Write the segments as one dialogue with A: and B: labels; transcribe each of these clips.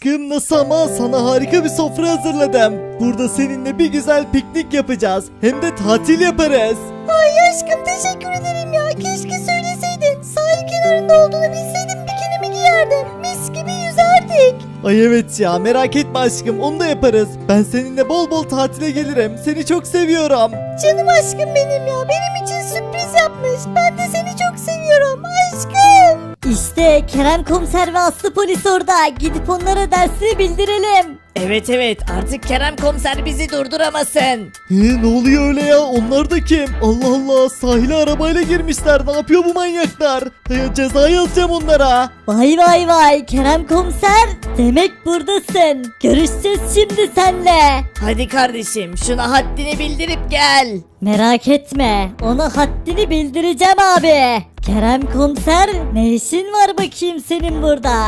A: Aşkım nasıl ama sana harika bir sofra hazırladım. Burada seninle bir güzel piknik yapacağız. Hem de tatil yaparız.
B: Ay aşkım teşekkür ederim ya. Keşke söyleseydin. Sahil kenarında olduğunu bilseydim bikinimi giyerdim. Mis gibi yüzerdik.
A: Ay evet ya, merak etme aşkım, onu da yaparız. Ben seninle bol bol tatile gelirim. Seni çok seviyorum.
B: Canım aşkım benim ya. Benim için sürpriz yapmış. Ben de seni çok seviyorum aşkım. İşte Kerem komiser ve Aslı polis orada. Gidip onlara dersini bildirelim.
C: Evet evet, artık Kerem komiser bizi durduramasın.
A: Ne oluyor öyle ya? Onlar da kim? Allah Allah, sahile arabayla girmişler. Ne yapıyor bu manyaklar? Ceza yazacağım onlara.
B: Vay vay vay Kerem komiser. Demek buradasın. Görüşeceğiz şimdi senle.
C: Hadi kardeşim, şuna haddini bildirip gel.
B: Merak etme. Ona haddini bildireceğim abi. Kerem komiser ne işin var bakayım senin burada?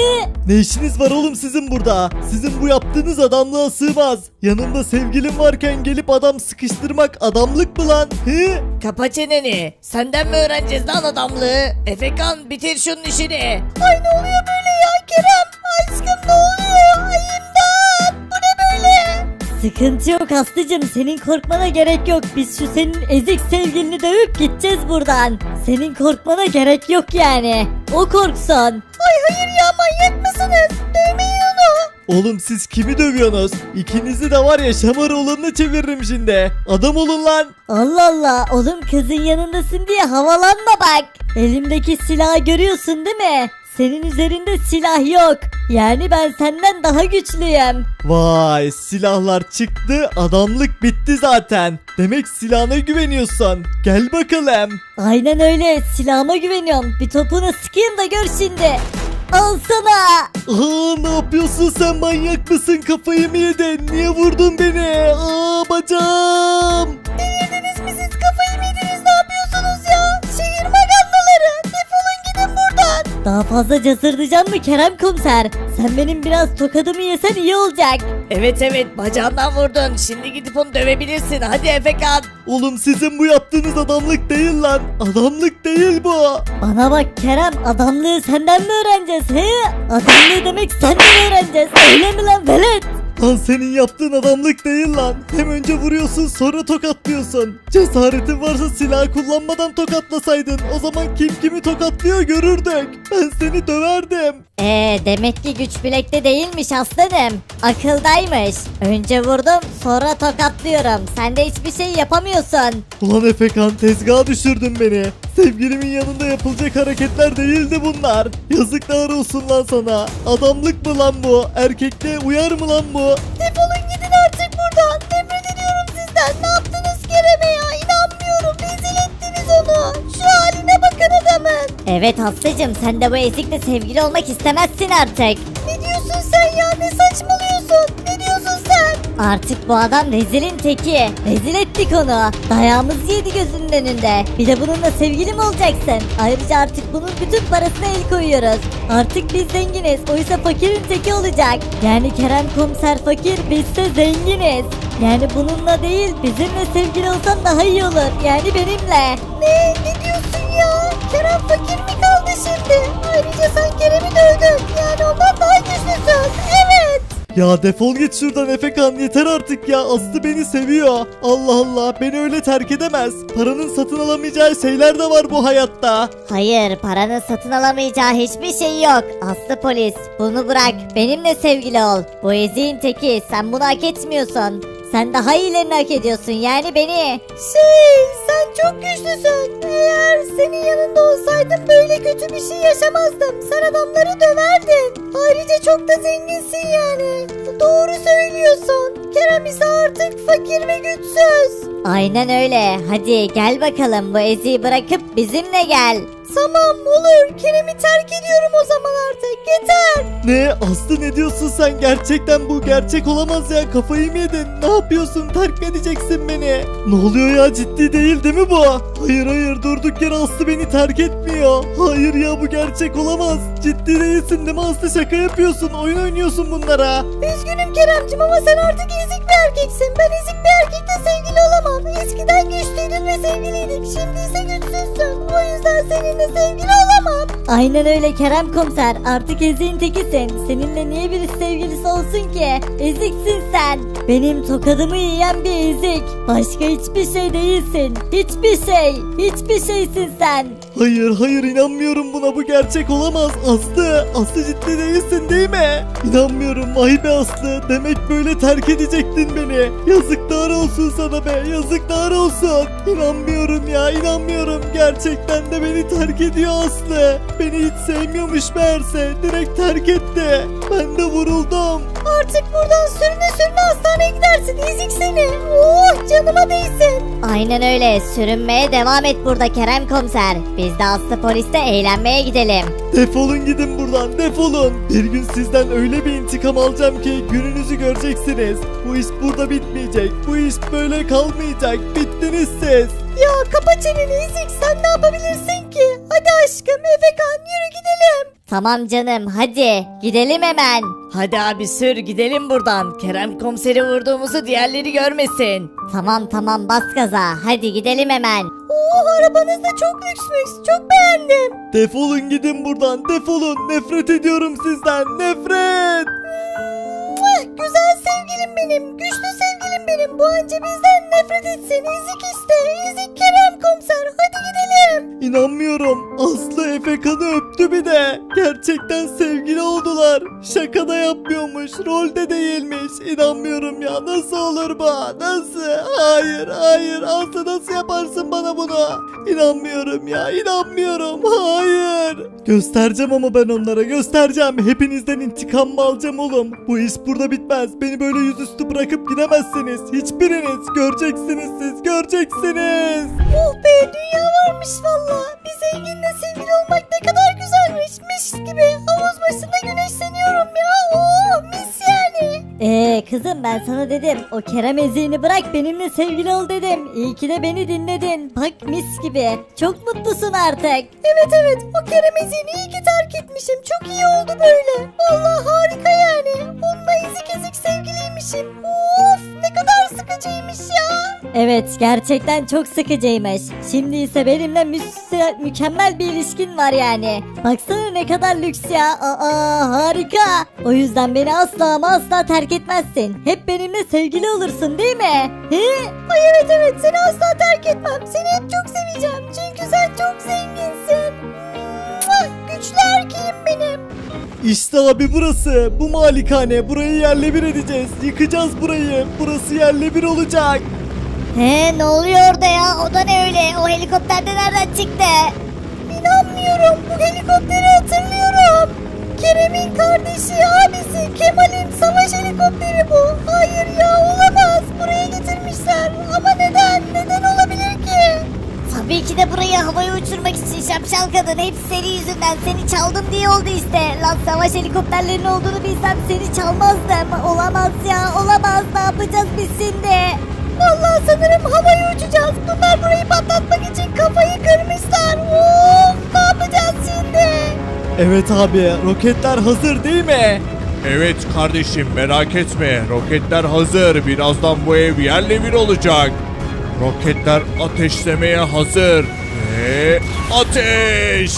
A: Ne işiniz var oğlum sizin burada? Sizin bu yaptığınız adamlığa sığmaz. Yanında sevgilim varken gelip adam sıkıştırmak adamlık mı lan?
C: Kapa çeneni. Senden mi öğreneceğiz lan adamlığı? Efekan, bitir şunun işini.
B: Ay ne oluyor böyle ya Kerem? Aşkım ne oluyor? Ay imdat! Bu ne böyle? Sıkıntı yok Aslıcığım, senin korkmana gerek yok. Biz şu senin ezik sevgilini dövüp gideceğiz buradan. Senin korkmana gerek yok yani. O korksun. Ay hayır ya, manyak mısınız? Dövmeyin onu.
A: Oğlum siz kimi dövüyorsunuz? İkinizi de var ya şamar olanına çeviririm şimdi. Adam olun lan.
B: Allah Allah, oğlum kızın yanındasın diye havalanma bak. Elimdeki silahı görüyorsun değil mi? Senin üzerinde silah yok. Yani ben senden daha güçlüyüm.
A: Vay, silahlar çıktı, adamlık bitti zaten. Demek silahına güveniyorsun. Gel bakalım.
B: Aynen öyle, silahıma güveniyorum. Bir topunu sıkayım da gör şimdi. Al sana.
A: Ne yapıyorsun sen, manyak mısın? Kafayı mı yedin? Niye vurdun beni? Bacağım.
B: Delirdiniz mi siz? Kafayı mı yediniz? Ne yapıyorsunuz ya? Şehir magandaları. Defolun gidin buradan. Daha fazla cazırlayacağım mı Kerem komiser? Sen benim biraz tokadımı yesen iyi olacak.
C: Evet evet, bacağından vurdun. Şimdi gidip onu dövebilirsin. Hadi Efekan.
A: Oğlum sizin bu yaptığınız adamlık değil lan. Adamlık değil bu.
B: Bana bak Kerem, adamlığı senden mi öğreneceğiz he? Adamlığı demek senden öğreneceğiz. Öyle mi lan velet?
A: Lan senin yaptığın adamlık değil lan. Hem önce vuruyorsun sonra tokatlıyorsun. Cesaretin varsa silah kullanmadan tokatlasaydın. O zaman kim kimi tokatlıyor görürdük. Ben seni döverdim.
B: Demek ki güç bilekte değilmiş aslanım. Akıldaymış. Önce vurdum sonra tokatlıyorum. Sen de hiçbir şey yapamıyorsun.
A: Ulan Efekan, tezgaha düşürdün beni. Sevgilimin yanında yapılacak hareketler değildi bunlar. Yazıklar olsun lan sana. Adamlık mı lan bu? Erkekliğe uyar mı lan bu?
B: Defolun gidin artık buradan. Nefret ediyorum sizden. Ne yaptınız Kerem'e ya? İnanmıyorum. Rezil ettiniz onu. Şu haline bakın adamın. Evet Aslı'cım, sen de bu ezikle sevgili olmak istemezsin artık. Ne diyorsun sen ya? Ne saçmalıyorsun? Ne diyorsun sen? Artık bu adam rezilin teki. Rezil ettik onu. Dayağımızı yedi gözünün önünde. Bir de bununla sevgili mi olacaksın? Ayrıca artık bunun bütün parasına el koyuyoruz. Artık biz zenginiz. Oysa fakirin teki olacak. Yani Kerem komiser fakir, biz de zenginiz. Yani bununla değil, bizimle sevgili olsan daha iyi olur. Yani benimle. Ne diyorsun ya? Kerem fakir mi kaldı şimdi? Ayrıca sen Kerem'i dövdün. Yani ondan daha güçlüsün. Evet.
A: Ya defol git şuradan Efekan, yeter artık ya. Aslı beni seviyor. Allah Allah, beni öyle terk edemez. Paranın satın alamayacağı şeyler de var bu hayatta.
B: Hayır, paranın satın alamayacağı hiçbir şey yok. Aslı polis, bunu bırak. Benimle sevgili ol. Bu eziğin teki, sen bunu hak etmiyorsun. Sen daha iyilerini hak ediyorsun, yani beni. Sen çok güçlüsün. Eğer senin yanında olsaydım böyle kötü bir şey yaşamazdım. Sen adamları döverdin. Ayrıca çok da zenginsin yani. Doğru söylüyorsun. Kerem ise artık fakir ve güçsüz. Aynen öyle. Hadi gel bakalım, bu eziği bırakıp bizimle gel. Tamam olur. Kerem'i terk ediyorum o zaman artık. Yeter.
A: Ne? Aslı ne diyorsun sen? Gerçekten bu gerçek olamaz ya. Kafayı mı yedin? Ne yapıyorsun? Terk mi edeceksin beni? Ne oluyor ya? Ciddi değil mi bu? Hayır hayır, durduk yere Aslı beni terk etmiyor. Hayır ya, bu gerçek olamaz. Ciddi değilsin değil mi Aslı? Şaka yapıyorsun. Oyun oynuyorsun bunlara.
B: Üzgünüm Keremcim ama sen artık ezik bir erkeksin. Ben ezik bir erkekle sevgili olamam. Eskiden güçlüydün ve sevgiliydik. Şimdi ise güçsüzsün. O yüzden seninle seninle sevgili olamam. Aynen öyle Kerem komiser, artık eziğin tekisin. Seninle niye birisi sevgilisi olsun ki? Eziksin sen. Benim tokadımı yiyen bir ezik. Başka hiçbir şey değilsin. Hiçbir şey. Hiçbir şeysin sen.
A: Hayır inanmıyorum buna, bu gerçek olamaz. Aslı ciddi değilsin değil mi? İnanmıyorum, vay be Aslı, demek böyle terk edecektin beni. Yazıklar olsun sana be, yazıklar olsun. İnanmıyorum ya, inanmıyorum, gerçekten de beni terk ediyor Aslı. Beni hiç sevmiyormuş meğerse, direkt terk etti. Ben de vuruldum.
B: Artık buradan sürüne hastaneye gidersin, ezik seni. Oh, canıma değsin. Aynen öyle, sürünmeye devam et burada Kerem komiser. Biz de Aslı poliste eğlenmeye gidelim.
A: Defolun gidin buradan, defolun. Bir gün sizden öyle bir intikam alacağım ki gününüzü göreceksiniz. Bu iş burada bitmeyecek. Bu iş böyle kalmayacak. Bittiniz siz.
B: Ya kapa çeneni ezik, sen ne yapabilirsin ki? Hadi aşkım, Efekan, yürü gidelim. Tamam canım, hadi gidelim hemen.
C: Hadi abi sür gidelim buradan. Kerem komiseri vurduğumuzu diğerleri görmesin.
B: Tamam bas gaza, hadi gidelim hemen. Oo, arabanız da çok lüksmüş, çok beğendim.
A: Defolun gidin buradan, defolun. Nefret ediyorum sizden, nefret.
B: Güzel sevgilim benim, güçlü sevgilim benim. Bu anca bizden nefret etsin, ezik işte, ezik Kerem komiser. Hadi gidelim.
A: İnanmıyorum. Aslı Efekan'ı öptü bir de. Gerçekten sevgili oldular. Şaka da yapmıyormuş. Rolde değilmiş. İnanmıyorum ya. Nasıl olur bu? Nasıl? Hayır. Aslı nasıl yaparsın bana bunu? İnanmıyorum ya. İnanmıyorum. Hayır. Göstereceğim ama ben onlara. Göstereceğim. Hepinizden intikam alacağım oğlum. Bu iş burada bitmez. Beni böyle yüzüstü bırakıp gidemezsiniz. Hiçbiriniz. Göreceksiniz siz. Göreceksiniz.
B: Oh be, dünya varmış valla. Bir zenginle sevgili olmak ne kadar güzelmiş. Mis gibi havuz başında güneşleniyorum ya. Oh, mis yani. Kızım, ben sana dedim, o Kerem eziğini bırak, benimle sevgili ol dedim. İyi ki de beni dinledin. Bak mis gibi. Çok mutlusun artık. Evet, o Kerem eziğini iyi ki terk etmişim. Çok iyi oldu böyle. Vallahi harika yani. Onunla ezik sevgiliymişim. Of, ne kadar sıkıcıymış ya. Evet, gerçekten çok sıkıcıymış. Şimdi ise benimle mükemmel bir ilişkin var yani. Baksana ne kadar lüks ya. Harika. O yüzden beni asla ama asla terk etmezsin. Hep benimle sevgili olursun değil mi? He? Ay evet, seni asla terk etmem. Seni hep çok seveceğim. Çünkü sen çok zenginsin. Güçlü erkeğim benim.
A: İşte abi burası. Bu malikane. Burayı yerle bir edeceğiz. Yıkacağız burayı. Burası yerle bir olacak.
B: Ne oluyor orada ya? O da ne öyle? O helikopter de nereden çıktı? İnanmıyorum. Bu helikopteri hatırlıyorum. Kerem'in kardeşi, abisi, Kemal'in savaş helikopteri bu. Hayır ya, olamaz. Buraya getirmişler. Ama neden? Neden olabilir ki? Tabii ki de burayı havaya uçurmak için şapşal kadın. Hepsi senin yüzünden. Seni çaldım diye oldu işte. Lan savaş helikopterlerinin olduğunu bilsem seni çalmazdım. Olamaz ya, olamaz. Ne yapacağız biz şimdi? Vallahi sanırım havaya uçacağız. Bunlar burayı patlatmak için kafayı kırmışlar. Of, ne yapacağız şimdi?
A: Evet abi. Roketler hazır değil mi?
D: Evet kardeşim merak etme. Roketler hazır. Birazdan bu ev yerle bir olacak. Roketler ateşlemeye hazır. Ve ateş!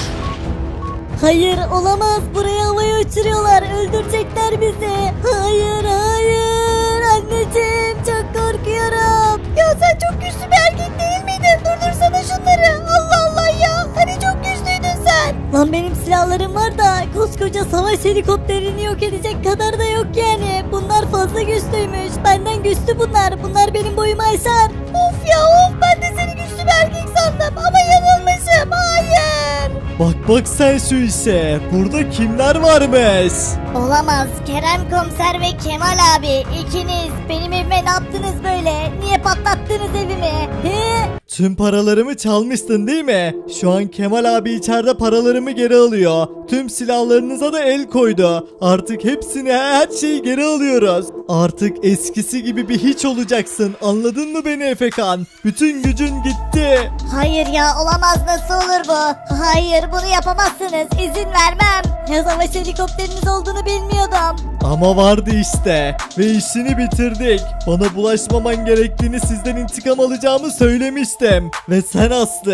B: Hayır, olamaz. Burayı havaya uçuruyorlar. Öldürecekler bizi. Hayır. Anneciğim, çok korkuyorum. Ya sen çok güçlü bir erkek değil miydin? Durdursana şunları. Allah ya. Hani çok güçlüydün sen. Lan benim silahlarım var da koskoca savaş helikopterini yok edecek kadar da yok yani. Bunlar fazla güçlüymüş. Benden güçlü bunlar. Bunlar benim boyumu aşar. Of ya, ben de seni güçlü bir erkek sandım ama yanılmışım. Hayır.
A: Bak sen şu işe. Burada kimler varmış?
B: Olamaz. Kerem komiser ve Kemal abi, ikiniz benim evime ne yaptınız böyle? Niye patlattınız evimi? He?
A: Tüm paralarımı çalmıştın değil mi? Şu an Kemal abi içeride paralarımı geri alıyor. Tüm silahlarınıza da el koydu. Artık hepsini, her şeyi geri alıyoruz. Artık eskisi gibi bir hiç olacaksın. Anladın mı beni Efekan? Bütün gücün gitti.
B: Hayır ya, olamaz, nasıl olur bu? Hayır, bunu yapamazsınız, izin vermem. Ya savaş helikopteriniz olduğunu bilmiyordum.
A: Ama vardı işte. Ve işini bitirdik. Bana bulaşmaman gerektiğini, sizden intikam alacağımı söylemiştim. Ve sen Aslı,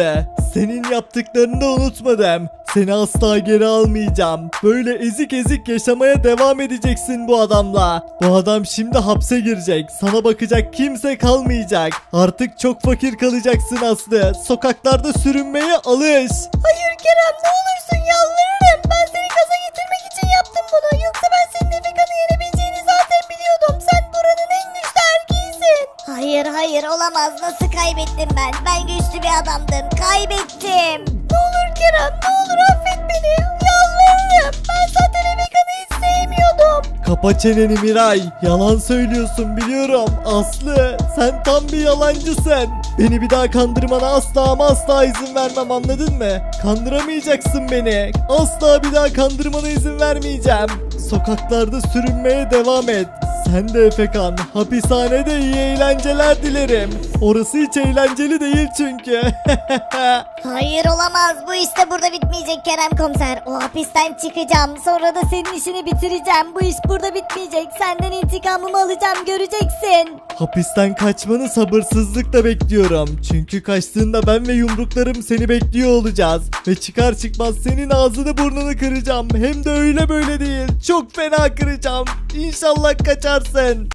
A: Senin yaptıklarını da unutmadım. Seni asla geri almayacağım. Böyle ezik ezik yaşamaya devam edeceksin bu adamla. Bu adam şimdi hapse girecek. Sana bakacak kimse kalmayacak. Artık çok fakir kalacaksın Aslı. Sokaklarda sürünmeye alış.
B: Hayır Kerem ne olursun yalvarırım. Ben seni gaza getirmek için yaptım bunu. Yoksa ben senin Efekan'ı yenebileceğini zaten biliyordum. Sen buranın en güçlü erkeğisin. Hayır olamaz. Nasıl kaybettim ben? Ben güçlü bir adamdım. Kaybettim. Ne olur Kerem ne olur affet beni. Yalvarırım. Ben zaten Efekan'ı hiç sevmiyordum.
A: Kapa çeneni Miray. Yalan söylüyorsun biliyorum. Aslı sen tam bir yalancısın. Beni bir daha kandırmana asla ama asla izin vermem, anladın mı? Kandıramayacaksın beni. Asla bir daha kandırmana izin vermeyeceğim. Sokaklarda sürünmeye devam et. Sen de Efekan. Hapishanede iyi eğlenceler dilerim. Orası hiç eğlenceli değil çünkü.
B: Hayır olamaz. Bu işte burada bitmeyecek Kerem komiser. O hapisten çıkacağım. Sonra da senin işini bitireceğim. Bu iş burada bitmeyecek. Senden intikamımı alacağım. Göreceksin.
A: Hapisten kaçmanı sabırsızlıkla bekliyorum. Çünkü kaçtığında ben ve yumruklarım seni bekliyor olacağız. Ve çıkar çıkmaz senin ağzını burnunu kıracağım. Hem de öyle böyle değil. Çok fena kıracağım. İnşallah kaçarsın.